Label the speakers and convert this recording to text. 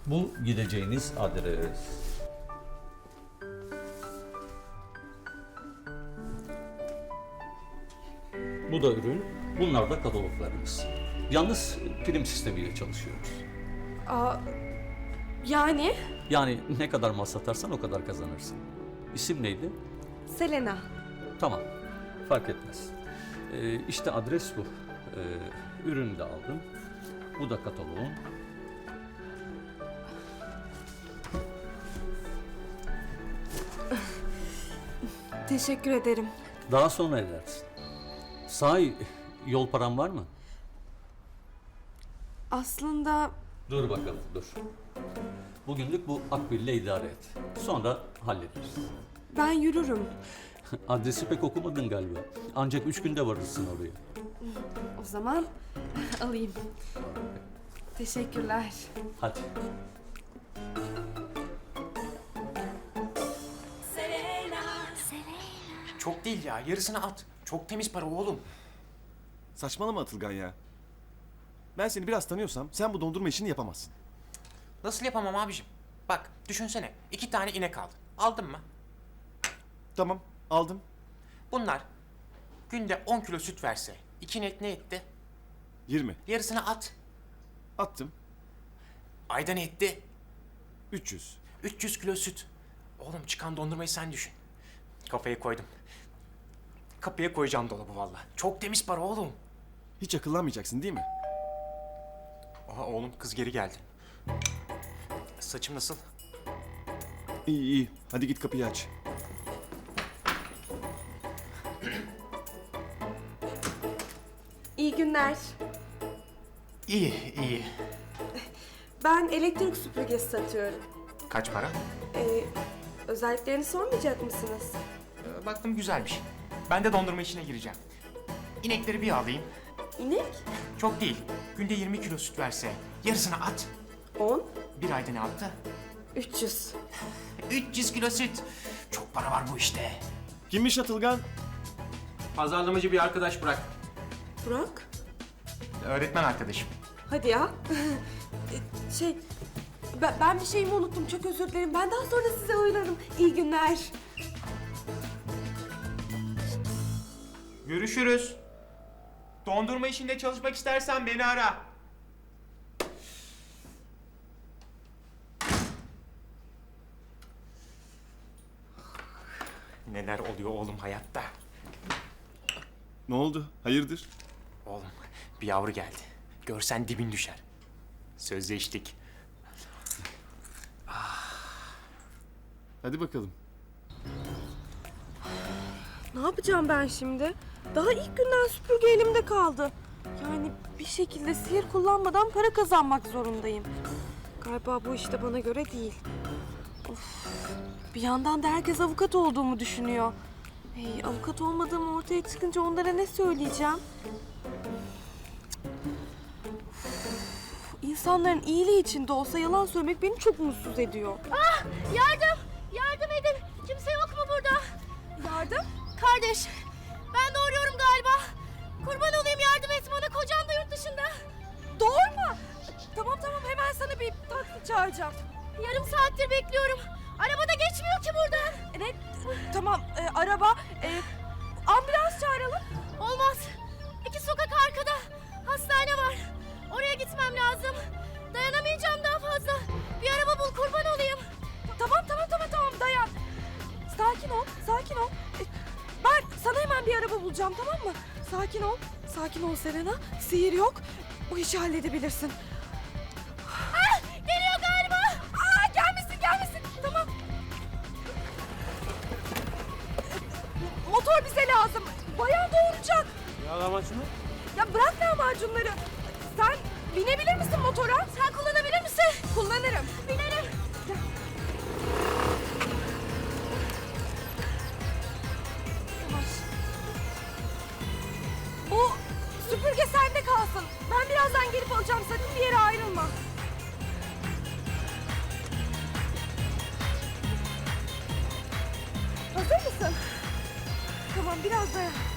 Speaker 1: Bu gideceğiniz adres. Bu da ürün, bunlar da kataloglarımız. Yalnız prim sistemiyle çalışıyoruz.
Speaker 2: Aa, yani?
Speaker 1: Yani ne kadar mal satarsan o kadar kazanırsın. İsim neydi?
Speaker 2: Selena.
Speaker 1: Tamam, fark etmez. İşte adres bu. Ürünü de aldım. Bu da kataloğun.
Speaker 2: Teşekkür ederim.
Speaker 1: Daha sonra edersin. Sahi yol param var mı?
Speaker 2: Aslında
Speaker 1: Dur bakalım, dur. Bugünlük bu akbille idare et. Sonra hallederiz.
Speaker 2: ben yürürüm.
Speaker 1: Adresi pek okumadın galiba. Ancak 3 günde varırsın oraya.
Speaker 2: O zaman alayım. Teşekkürler.
Speaker 1: Hadi.
Speaker 3: Çok değil ya, yarısını at. Çok temiz para oğlum.
Speaker 4: Saçmalama Atılgan ya. Ben seni biraz tanıyorsam sen bu dondurma işini yapamazsın.
Speaker 3: Nasıl yapamam abicim? Bak, düşünsene. 2 tane inek aldın. Aldın mı?
Speaker 4: Tamam, aldım.
Speaker 3: Bunlar günde 10 kilo süt verse, 2 inek ne etti?
Speaker 4: 20.
Speaker 3: Yarısını at.
Speaker 4: Attım.
Speaker 3: Ayda ne etti?
Speaker 4: 300.
Speaker 3: 300 kilo süt. Oğlum çıkan dondurmayı sen düşün. Kafaya koydum. Kapıya koyacağım dolabı valla. Çok temiz para oğlum.
Speaker 4: Hiç akıllanmayacaksın değil mi?
Speaker 3: Aha oğlum kız geri geldi. Saçım nasıl?
Speaker 4: İyi iyi. Hadi git kapıyı aç.
Speaker 2: İyi günler.
Speaker 3: İyi, iyi.
Speaker 2: Ben elektrik süpürgesi satıyorum.
Speaker 3: Kaç para?
Speaker 2: Özelliklerini sormayacak mısınız?
Speaker 3: Baktım güzelmiş. Ben de dondurma işine gireceğim. İnekleri bir alayım.
Speaker 2: İnek?
Speaker 3: Çok değil. Günde 20 kilo süt verse yarısını at.
Speaker 2: 10,
Speaker 3: Bir ayda ne yaptı?
Speaker 2: 300.
Speaker 3: 300 kilo süt. Çok para var bu işte.
Speaker 4: Kimmiş Atılgan?
Speaker 3: Pazarlamacı bir arkadaş bırak.
Speaker 2: Burak?
Speaker 3: Öğretmen arkadaşım.
Speaker 2: Hadi ya. Ben bir şeyimi unuttum. Çok özür dilerim. Ben daha sonra size uğrarım. İyi günler.
Speaker 3: Görüşürüz. Dondurma işinde çalışmak istersen beni ara. Neler oluyor oğlum hayatta?
Speaker 4: Ne oldu? Hayırdır?
Speaker 3: Oğlum bir yavru geldi. Görsen dibin düşer. Sözleştik.
Speaker 4: Hadi bakalım.
Speaker 2: Ne yapacağım ben şimdi? Daha ilk günden süpürge elimde kaldı. Yani bir şekilde sihir kullanmadan para kazanmak zorundayım. Galiba bu işte bana göre değil. Of. Bir yandan da herkes avukat olduğumu düşünüyor. Avukat olmadığım ortaya çıkınca onlara ne söyleyeceğim? İnsanların iyiliği için de olsa yalan söylemek beni çok mutsuz ediyor.
Speaker 5: Yardım! Yardım edin! Kimse yok mu burada?
Speaker 2: Yardım?
Speaker 5: Kardeş, ben doğuruyorum galiba. Kurban olayım yardım et bana. Kocam da yurt dışında.
Speaker 2: Doğurma! Tamam hemen sana bir taksi çağıracağım.
Speaker 5: Yarım saattir bekliyorum. Arabada geçmiyor ki buradan.
Speaker 2: Ne? Tamam araba, ambulans çağıralım.
Speaker 5: Olmaz. 2 sokak arkada. Hastane var. Oraya gitmem lazım. Dayanamayacağım daha fazla. Bir araba bul kurban olayım.
Speaker 2: Tamam dayan. Sakin ol. Ben sana hemen bir araba bulacağım, tamam mı? Sakin ol Selena. Sihir yok. Bu işi halledebilirsin.
Speaker 5: Geliyor galiba.
Speaker 2: Gelmesin. Tamam. Motor bize lazım. Bayan doğuracak.
Speaker 3: Ya lahmacun mu?
Speaker 2: Ya bırak lahmacunları. Sen binebilir misin motora?
Speaker 5: Sen kullanabilir misin?
Speaker 2: Kullanırım.
Speaker 5: Binerim.
Speaker 2: Yavaş. O süpürge sende kalsın. Ben birazdan gelip alacağım. Sakın bir yere ayrılma. Hazır mısın? Tamam biraz dayan.